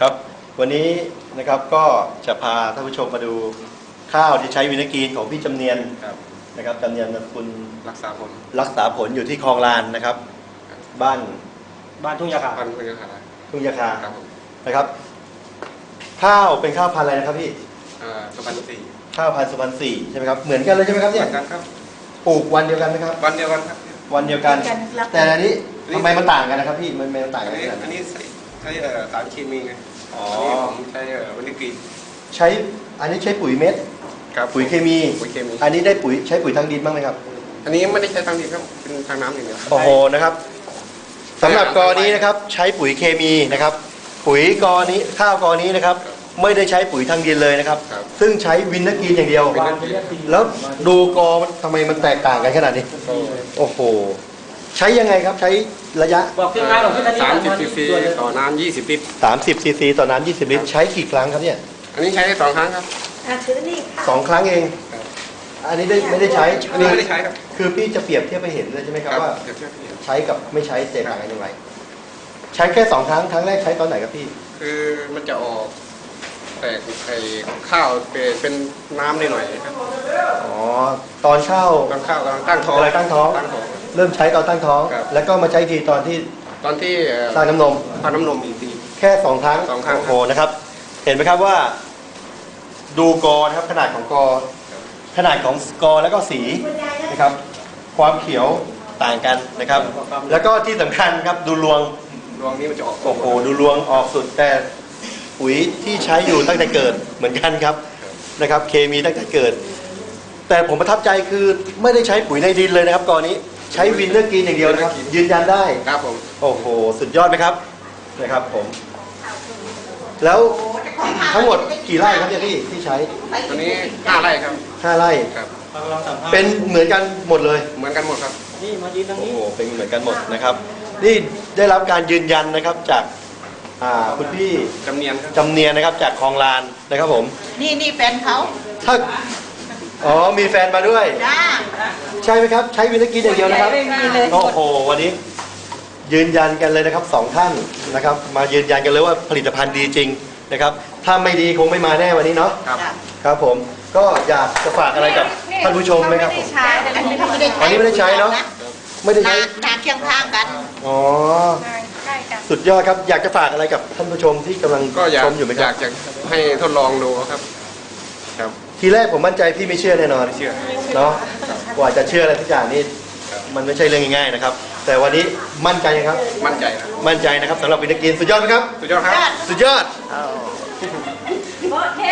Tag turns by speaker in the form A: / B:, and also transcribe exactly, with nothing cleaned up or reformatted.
A: ครับวันนี้นะครับก็จะพาท่านผู้ชมมาดูข้าวที่ใช้วินากีนของพี่จำเนียนนะครับจำเนียนคุณ
B: รักษาผล
A: รักษาผลอยู่ที่คลองลานนะครับบ้าน
C: บ้านทุ่งยาคา
B: บ้านทุ่งยาคา
A: ทุ่งยาคานะครับข้าวเป็นข้าวพันธุ์อะไรนะครับพี่
B: สุพรรณสี่
A: ข้าวพันธุ์สุพรรณสี่ใช่ไหมครับเหมือนกันเลยใช่ไหมครับเนี่ย
B: เหมือนกันครับ
A: ปลูกวันเดียวกันไหมครับ
B: วันเดียวกันครับ
A: วันเดียวกันแต่อันนี้ทำไมมันต่างกันนะครับพี่มันมันต่างกัน
B: อันนี้ใช้สารเคมีไง
A: อ๋อ
B: ผมใช้วินากีน
A: ใช้อันนี้ใช้ปุ๋ยเม็ดปุ๋ยเคมี
B: ปุ๋ยเคมี
A: อันนี้ได้ปุ๋ยใช้ปุ๋ยทางดินบ้างไหมครับ
B: อันนี้ไม่ได้ใช้ทางดินครับเป็นทางน้ำอย่างเดียว
A: โอ้โหนะครับสำหรับกอนี้นะครับใช้ปุ๋ยเคมีนะครับปุ๋ยกอนี้ข้าวกอนี้นะครับไม่ได้ใช้ปุ๋ยทางดินเลยนะครับซึ่งใช้วินากีนอย่างเดียวแล้วดูกอทำไมมันแตกต่างกันขนาดนี้โอ้โหใช้ยังไงครับใช้ระยะ
B: สามสิบซีซีต่อน้ำยี่สิบลิตร
A: สามสิบซีซีต่อน้ำยี่สิบลิตรใช้กี่ครั้งครับเนี่ย
B: อันนี้ใช้ได้สองครั้งครับ
A: สองครั้งเองอันนี้ได้ไม่ได้ใช้
B: อันนี้ไม่ได้ใช้ครับ
A: คือพี่จะเปรียบเทียบไปเห็นเลยใช่ไหมครับว่าใช้กับไม่ใช้แตกต่างกันอย่างไรใช้แค่สองครั้งครั้งแรกใช้ตอนไหนครับพี่
B: คือมันจะออกแตกไข่ข้าวเป็นน้ำนิดหน่อยครับ
A: อ๋อตอนข้าว
B: ตอนข้าวกำลังตั้งท้อง
A: อะไรตั้งท้องเริ่มใช้ตอนตั้งท้องแล้วก็มาใช้ทีตอนที่
B: ตอนที่
A: สร้างน้ำนม
B: สร้างน้ำนมอีกที
A: แค่สองครั้ง
B: สองครั้ง
A: โอ้โหนะครับเห็นไหมครับว่าดูกอนะครับขนาดของกอขนาดของกอแล้วก็สีนะครับความเขียวต่างกันนะครับแล้วก็ที่สำคัญครับดูรวง
B: รวงนี้มันจะออก
A: โอ้โหดูรวงออกสุดแต่ปุ๋ยที่ใช้อยู่ตั้งแต่เกิดเหมือนกันครับนะครับเคมีตั้งแต่เกิดแต่ผมประทับใจคือไม่ได้ใช้ปุ๋ยในดินเลยนะครับกอนี้ใช้วินเนอร์กรีนอย่างเดียวนะครับยืนยันได้
B: ครับผม
A: โอ้โหสุดยอดไหมครับนะครับผมแล้วทั้งหมดกี่ไร่ครับเนี่ยพี่ที่ใช้
B: ตอนนี้ห้าไร่ครับ
A: ห้าไร่
B: ครับ
A: เป็นเหมือนกันหมดเลย
B: เหมือนกันหมดครับ
C: นี่มายืนตรงนี้
A: โอ้โหเป็นเหมือนกันหมดนะครับนี่ได้รับการยืนยันนะครับจากคุณพี่
B: จำเนียนครับ
A: จำเนียนนะครับจากคลองลานนะครับผม
D: นี่นี่แฟนเขา
A: ถ้าอ๋อมีแฟนมาด้วยใช่ไหมครับใช้วินาทีอย่างเดียวนะครับโอ้โหวันนี้ยืนยันกันเลยนะครับสองท่านนะครับมายืนยันกันเลยว่าผลิตภัณฑ์ดีจริงนะครับถ้าไม่ดีคงไม่มาแน่วันนี้เนาะ
B: ครับ
A: ครับผมก็อยากจะฝากอะไรกับท่านผู้ชมไหมครับผมอันนี้ไม่ได้ใช้เนาะไม่ได้ใช้
D: นาเคียงข้างกัน
A: อ๋อสุดยอดครับอยากจะฝากอะไรกับท่านผู้ชมที่กำลังชมอยู่ไหมครับ
B: อยากจะให้ทดลองดูครับ
A: ครับทีแรกผมมั่นใจพี่ไม่เชื่อแน่นอน
B: ไม่เชื่อ
A: เนาะกว่าจะเชื่ออะไรทุกอย่างนี่มันไม่ใช่เรื่องง่ายๆนะครับแต่วันนี้มั่นใจครับ
B: มั่นใจนะ
A: มั่นใจนะครับสำหรับวินากีนสุดยอดไหมครับ
B: สุดยอดครับ
A: สุดยอด